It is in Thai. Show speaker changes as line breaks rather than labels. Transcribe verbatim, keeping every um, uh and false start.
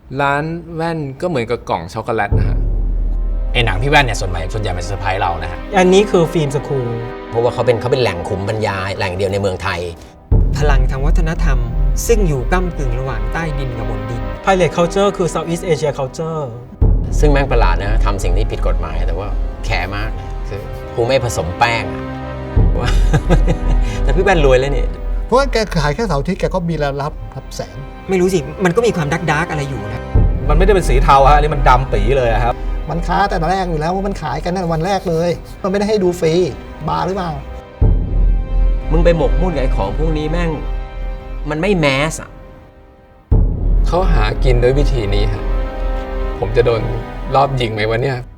ร้านแว่นก็เหมือนกับกล่องช็อกโกแลตนะฮะ
ไอหนังพี่แว่นเนี่ยส่วนใหญ่ส่วนใหญ่มันเซอร์ไพรส์เรานะฮะ
อันนี้คือฟิล์มสคูล
เพราะว่าเขาเป็นเขาเป็นแหล่งขุมบรรยายแหล่งเดียวในเมืองไทย
พลังทางวัฒนธรรม ซึ่งอยู่ก้ำกึ่งระหว่างใต้ดินกับบนดิน
Pirate Culture คือ Southeast Asia Culture
ซึ่งแม่งประหลาดนะทำสิ่งที่ผิดกฎหมายแต่ว่าแคร์มากนะคือกูไม่ผสมแป้งอะว่า แต่พี่แว่นรวยแล้วนี่
เพราะว่าแกขายแค่เสาร์อาทิตย์แกก็มีรายรับรับแสน
ไม่รู้สิ มันก็มีความดักดักอะไรอยู่นะ
มันไม่ได้เป็นสีเทาฮะอันนี้มันดำปีเลยอะครับ
มันค้าแต่แรกอยู่แล้วว่ามันขายกันในวันแรกเลย มันไม่ได้ให้ดูฟรีบาหรือเปล่า
มึงไปหมกมุ่นกับไอ้ของพวกนี้แม่งมันไม่แมสอะ
เขาหากินด้วยวิธีนี้ฮะผมจะโดนรอบยิงไหมวะเนี่ย